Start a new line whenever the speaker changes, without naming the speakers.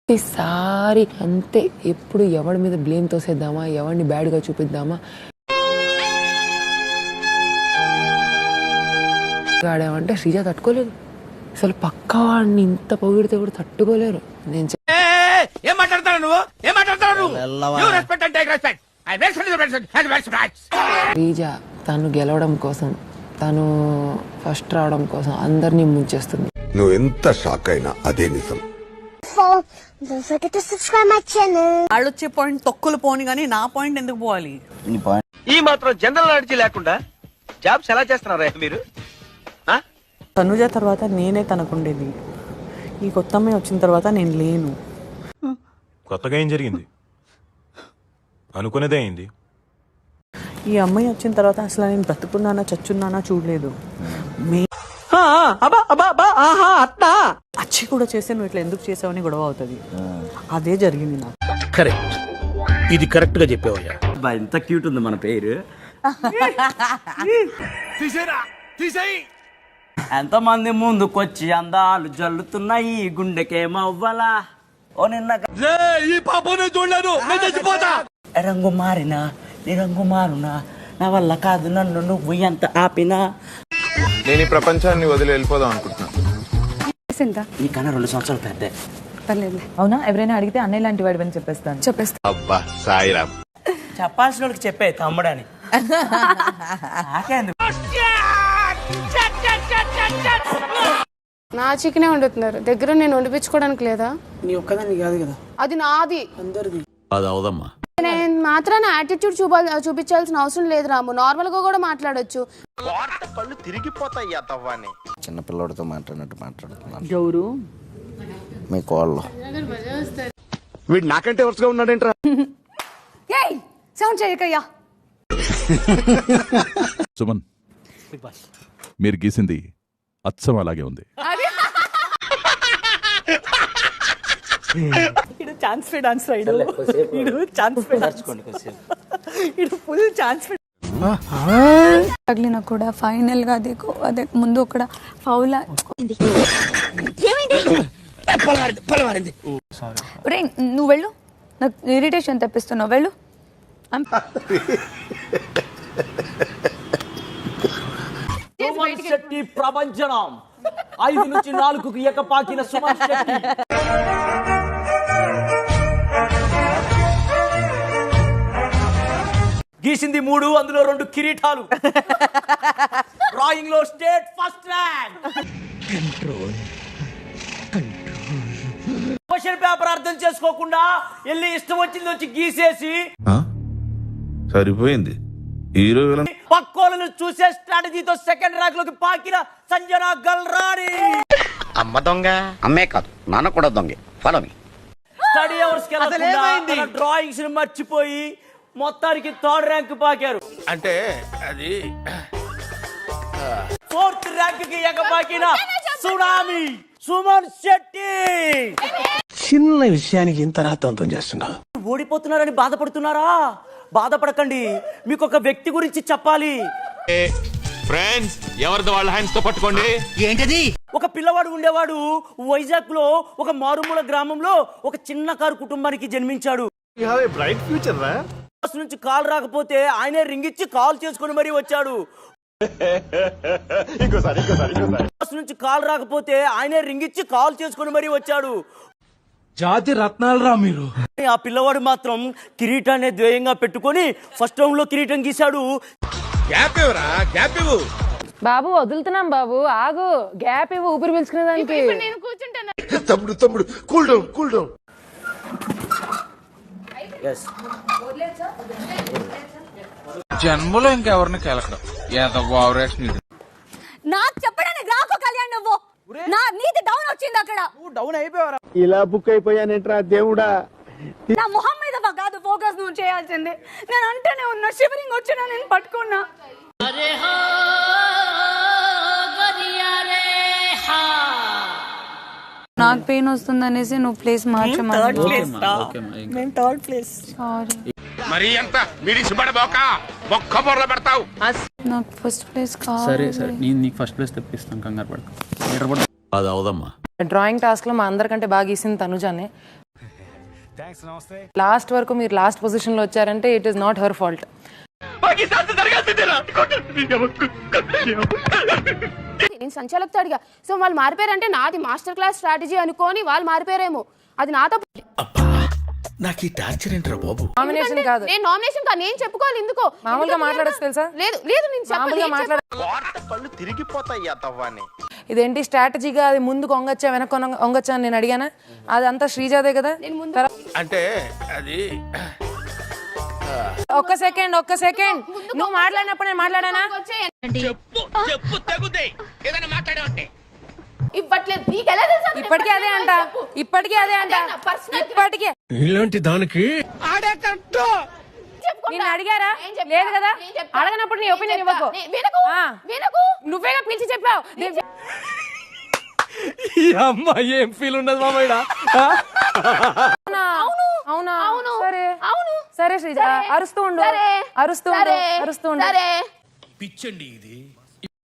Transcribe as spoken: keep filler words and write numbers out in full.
ప్రతిసారి అంతే, ఎప్పుడు ఎవరి మీద బ్లేమ్ తోసేద్దామా, ఎవరిని బ్యాడ్గా చూపిద్దామా ఆడామంటే శ్రీజ తట్టుకోలేదు. అసలు పక్కా వాడిని ఇంత పొగిడితే కూడా తట్టుకోలేరు. నేను
ఏం మాట్లాడతావు నువ్వు? ఏం మాట్లాడతావు
శ్రీజ తను గెలవడం కోసం, తను ఫస్ట్ రావడం కోసం అందరినీ ముంచేస్తుంది.
నువ్వు ఎంత షాక్ అయినా అదే నిజం.
వాళ్ళు వచ్చే పాయింట్ తొక్కులు పోని కానీ నా పాయింట్ ఎందుకు పోవాలి?
ఈ మాత్రం జనరల్ నాలెడ్జ్ లేకుండా జాబ్స్ ఎలా చేస్తున్నారా మీరు?
తనుజ తర్వాత నేనే తనకుండేది. ఈ కొత్త అమ్మాయి వచ్చిన తర్వాత నేను లేను.
కొత్తగా ఏం జరిగింది? అనుకునేదే అయింది.
ఈ అమ్మాయి వచ్చిన తర్వాత అసలు నేను బ్రతుకున్నానా చచ్చున్నానా చూడలేదు. అచ్చి కూడా చేస్తే నువ్వు ఇట్లా ఎందుకు చేసావని గొడవ అవుతుంది. అదే జరిగింది నాకు.
కరెక్ట్, ఇది కరెక్ట్ గా చెప్పావయ్యా.
ఎంత క్యూట్ ఉంది మన పేరు. ఎంత మంది ముందుకొచ్చి అందాలు జల్లుతున్నాయి గుండెకేమవ్వలా. ఓ నిన్న
ఈ పాపనే చూడలేదు, నేను చచ్చిపోతా.
రంగు మారినా నీ రంగు మారునా, నా వల్ల కాదు నన్ను నువ్వు ఎంత ఆపినా.
నేను ఈ ప్రపంచాన్ని వదిలి వెళ్ళిపోదాం అనుకుంటున్నాను.
నీకన్నా రెండు సంవత్సరాలు పెద్ద.
అవునా? ఎవరైనా అడిగితే అన్నయ్య లాంటి వాడు అని చెప్పేస్తాను. చెప్పేస్తా.
అబ్బా సాయిరామ్,
చెప్పాల్సిన వాళ్ళకి చెప్పే తమ్ముడని.
నా చికెనే వండుతున్నారు దగ్గర, నేను వండిపించుకోవడానికి లేదా?
నీ ఒక్కదాన్ని కాదు కదా,
అది నాది.
అందరిది.
అది అవదమ్మా.
నేను మాత్రాన యాటిట్యూడ్ చూపాలి చూపించాల్సిన అవసరం లేదు రాము. నార్మల్ గా కూడా మాట్లాడొచ్చు.
కళ్ళు తిరిగిపోతాయి తవ్వాన్ని.
చిన్న పిల్లడితో మాట్లాడినట్టు మాట్లాడుతున్నాను.
గౌరు
మీ కోళ్ళు
వీడు నాకంటే వరుసగా ఉన్నాడేంట్రా?
సౌండ్ చేయకయ్యా.
సుమన్, మీరు గీసింది అచ్చం అలాగే ఉంది.
ఛాన్స్ ఫే డాన్స్ ఛాన్స్ ఫే ఫుల్ ఛాన్స్
తగిలిన కూడా ఫైనల్ గా అదే అదే ముందు ఒక ఫౌల్. నువ్వు వెళ్ళు, నాకు ఇరిటేషన్ తెప్పిస్తున్నావు. వెళ్ళు.
సుమన్ శెట్టి ప్రపంచనం ఐదు నుంచి నాలుగుకు ఎకపాకిన సుమన్ శెట్టి. గీసింది మూడు, అందులో రెండు కిరీటాలు. డ్రాయింగ్ లో state first rank. Question paper అర్థం చేసుకోకుండా వెళ్ళి ఇష్టం వచ్చింది వచ్చి గీసేసి
సరిపోయింది. హీరో
పక్కోలను చూసే స్ట్రాటజీతో సెకండ్ ర్యాంక్ లోకి పాకిన సంజన గల్రాణి.
అమ్మ దొంగ
అమ్మే కాదు, నాన్న కూడా దొంగే. Follow me.
స్టడీ అవర్స్ కి డ్రాయింగ్స్ ని మర్చిపోయి మొత్తానికి థర్డ్ ర్యాంక్ పాకారు.
అంటే అది
ఫోర్త్ ర్యాంక్ కి ఎగపాకిన సునామీ సుమన్ శెట్టి.
చిన్న విషయానికి ఇంత రాతంతం చేస్తున్నావు.
ఓడిపోతున్నారని బాధపడుతున్నారా? బాధపడకండి, మీకు ఒక వ్యక్తి గురించి చెప్పాలి.
ఫ్రెండ్స్, ఎవరిది వాళ్ళ హ్యాండ్స్ తో పట్టుకోండి.
ఏంటది?
ఒక పిల్లవాడు ఉండేవాడు వైజాగ్ లో ఒక మారుమూల గ్రామంలో ఒక చిన్న కారు కుటుంబానికి జన్మించాడు.
బ్రైట్ ఫ్యూచర్ రా.
నుంచి కాల్ రాకపోతే ఆయనే రింగ్ ఇచ్చి కాల్ చేసుకుని మరీ వచ్చాడు. నుంచి కాల్ రాకపోతే ఆయనే రింగ్ ఇచ్చి కాల్ చేసుకుని మరీ వచ్చాడు.
జాతి రత్నాలు రా మీరు.
ఆ పిల్లవాడు మాత్రం కిరీటాన్ని ద్వేయంగా పెట్టుకొని ఫస్ట్ రౌండ్ లో కిరీటం గీశాడు.
గ్యాప్ ఇవ్వరా, గ్యాప్ ఇవ్వు.
బాబు వదులుతున్నాం బాబు, ఆగు, గ్యాప్ ఇవ్వు ఊపిరి పీల్చుకునే దానికి.
నేను కూర్చుంటాను.
తమ్ముడు తమ్ముడు కూల్ డౌన్ కూల్ డౌన్.
జన్మలో ఇంకెవరిని కెలకడం ఎంత బావరేషన్.
నాకు చెప్పడానికి రాకు కళ్యాణ్, నువ్వు నా నీది డౌన్ వచ్చింది అక్కడ.
డౌన్ అయిపోయావరా?
ఇలా బుక్ అయిపోయానేంట్రా దేవుడా.
నా మొహం మీద కాదు ఫోకస్ నువ్వు చేయాల్సింది. నేను అంటేనే ఉన్నా, షివరింగ్ వచ్చినా నేను పట్టుకున్నా. నాకు పెయిన్ వస్తుంది అనేసి నువ్వు ప్లేస్ మార్చమని.
మరి ఎంత మీడిక్స్ పడబోక బొక్క బొర్ర పెడతావు.
నాకు ఫస్ట్ ప్లేస్ కావాలి.
సరే సరే, నేను నీకు ఫస్ట్ ప్లేస్ తెప్పిస్తాను, కంగారు పడకు.
అది అవదమ్మా.
డ్రాయింగ్ టాస్క్ లో మా అందరికంటే బాగా గీసింది తనుజానే. లాస్ట్ వరకు మీరు లాస్ట్ పొజిషన్ లో వచ్చారంటే it is not her fault.
నేను సంచాలకుతో అడిగా, సో వాళ్ళు మారిపోయారంటే నాది మాస్టర్ క్లాస్ స్ట్రాటజీ అనుకోని వాళ్ళు మారిపోయారేమో, అది నాతో
నాకు ఈ టార్చర్ ఏంట్రా బాబు?
నామినేషన్ కాదు,
నేను నామినేషన్ కాదు, నేను చెప్పుకోవాలి ఎందుకో.
మామూలుగా మాట్లాడచ్చు తెలుసా?
లేదు లేదు నేను
మామూలుగా మాట్లాడ
కళ్ళు తిరిగిపోతాయి తవ్వాని.
ఇదేంటి స్ట్రాటజీగా అది ముందుకు వంగచ్చా వెనక్కి వంగచ్చా అని నేను అడిగానా? అదంతా శ్రీజాదే కదా.
అంటే అది
ఒక్క సెకండ్ ఒక్క సెకండ్ నువ్వు మాట్లాడినప్పుడు నేను మాట్లాడానా?
చెప్పు తెగుదే ఏదైనా మాట్లాడే
ఇవ్వట్లేదు నీకు ఎలా తెలుసా?
ఇప్పటికీ అదే అంట, ఇప్పటికీ అదే అంట, ఇప్పటికీ.
ఇలాంటి దానికి
నిన్ను అడిగారా? లేదు కదా. అడగనప్పుడు నీ ఒపీనియన్ ఇవ్వకు. నువ్వేగా పిలిచి చెప్పావు.
అమ్మాయి ఏం ఫీల్ ఉండదు మామయ్య.
అవునా? సరే సరే శ్రీజ, అరుస్తూ ఉండు, అరుస్తూ ఉండు, అరుస్తూ ఉండు.
పిచ్చండి ఇది.